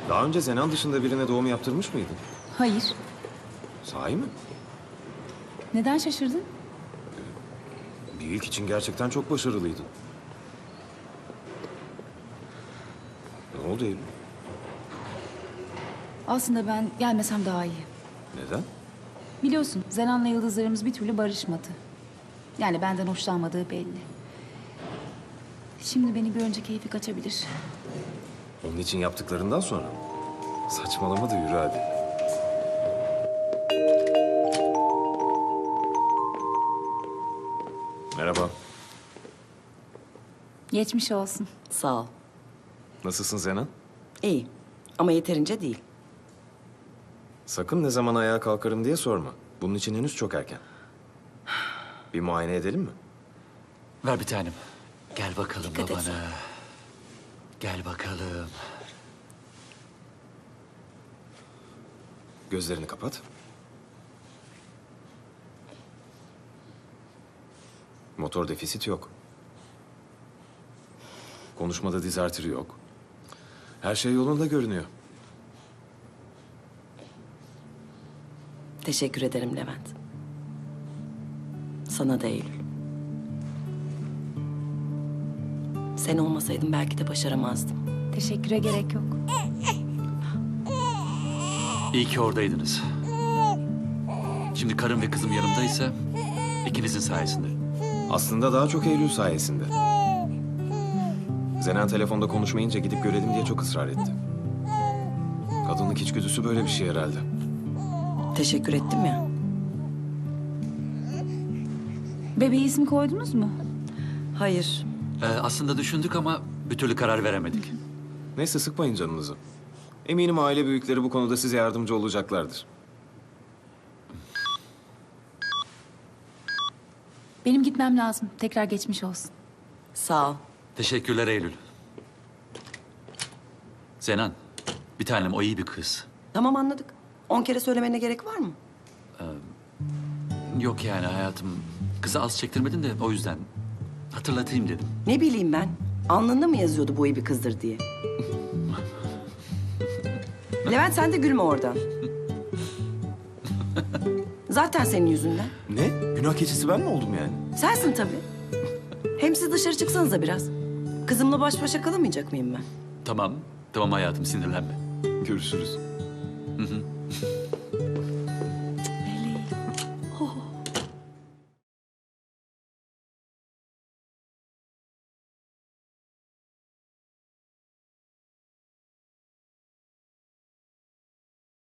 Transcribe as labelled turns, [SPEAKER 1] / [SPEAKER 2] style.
[SPEAKER 1] Daha önce Zenan dışında birine doğum yaptırmış mıydın?
[SPEAKER 2] Hayır.
[SPEAKER 1] Sahi mi?
[SPEAKER 2] Neden şaşırdın?
[SPEAKER 1] Bir ilk için gerçekten çok başarılıydın. Ne oldu Eylül?
[SPEAKER 2] Aslında ben gelmesem daha iyi.
[SPEAKER 1] Neden?
[SPEAKER 2] Biliyorsun Zenan'la yıldızlarımız bir türlü barışmadı. Yani benden hoşlanmadığı belli. Şimdi beni görünce keyfi kaçabilir.
[SPEAKER 1] Onun için yaptıklarından sonra mı? Saçmalama da yürü hadi. Merhaba.
[SPEAKER 2] Geçmiş olsun.
[SPEAKER 3] Sağ ol.
[SPEAKER 1] Nasılsın Zenan?
[SPEAKER 3] İyi ama yeterince değil.
[SPEAKER 1] Sakın ne zaman ayağa kalkarım diye sorma. Bunun için henüz çok erken. Bir muayene edelim mi?
[SPEAKER 4] Ver bir tanem. Gel bakalım
[SPEAKER 3] Dikkat et.
[SPEAKER 4] babana. Gel bakalım.
[SPEAKER 1] Gözlerini kapat. Motor defisit yok. Konuşmada diz artırı yok. Her şey yolunda görünüyor.
[SPEAKER 3] Teşekkür ederim Levent. Sana da Eylül. Sen olmasaydın belki de başaramazdım.
[SPEAKER 2] Teşekküre gerek yok.
[SPEAKER 4] İyi ki oradaydınız. Şimdi karım ve kızım yanımdaysa ikinizin sayesinde.
[SPEAKER 1] Aslında daha çok Eylül sayesinde. Zenan telefonda konuşmayınca gidip görelim diye çok ısrar etti. Kadınlık içgüdüsü böyle bir şey herhalde.
[SPEAKER 3] Teşekkür ettim ya.
[SPEAKER 2] Bebeğe isim koydunuz mu?
[SPEAKER 3] Hayır.
[SPEAKER 4] Aslında düşündük ama bir türlü karar veremedik.
[SPEAKER 1] Neyse sıkmayın canınızı. Eminim aile büyükleri bu konuda size yardımcı olacaklardır.
[SPEAKER 2] Benim gitmem lazım. Tekrar geçmiş olsun.
[SPEAKER 3] Sağ ol.
[SPEAKER 4] Teşekkürler Eylül. Zenan, bir tanem o iyi bir kız.
[SPEAKER 3] Tamam anladık. 10 kere söylemene gerek var mı?
[SPEAKER 4] Yok yani hayatım. Kızı az çektirmedin de o yüzden hatırlatayım dedim.
[SPEAKER 3] Ne bileyim ben. Alnında mı yazıyordu bu iyi bir kızdır diye? Levent sen de gülme oradan. Zaten senin yüzünden.
[SPEAKER 1] Ne? Günah keçisi ben mi oldum yani?
[SPEAKER 3] Sensin tabii. Hem siz dışarı çıksanıza biraz. Kızımla baş başa kalamayacak mıyım ben?
[SPEAKER 4] Tamam, tamam hayatım sinirlenme.
[SPEAKER 1] Görüşürüz.
[SPEAKER 4] Hı hı.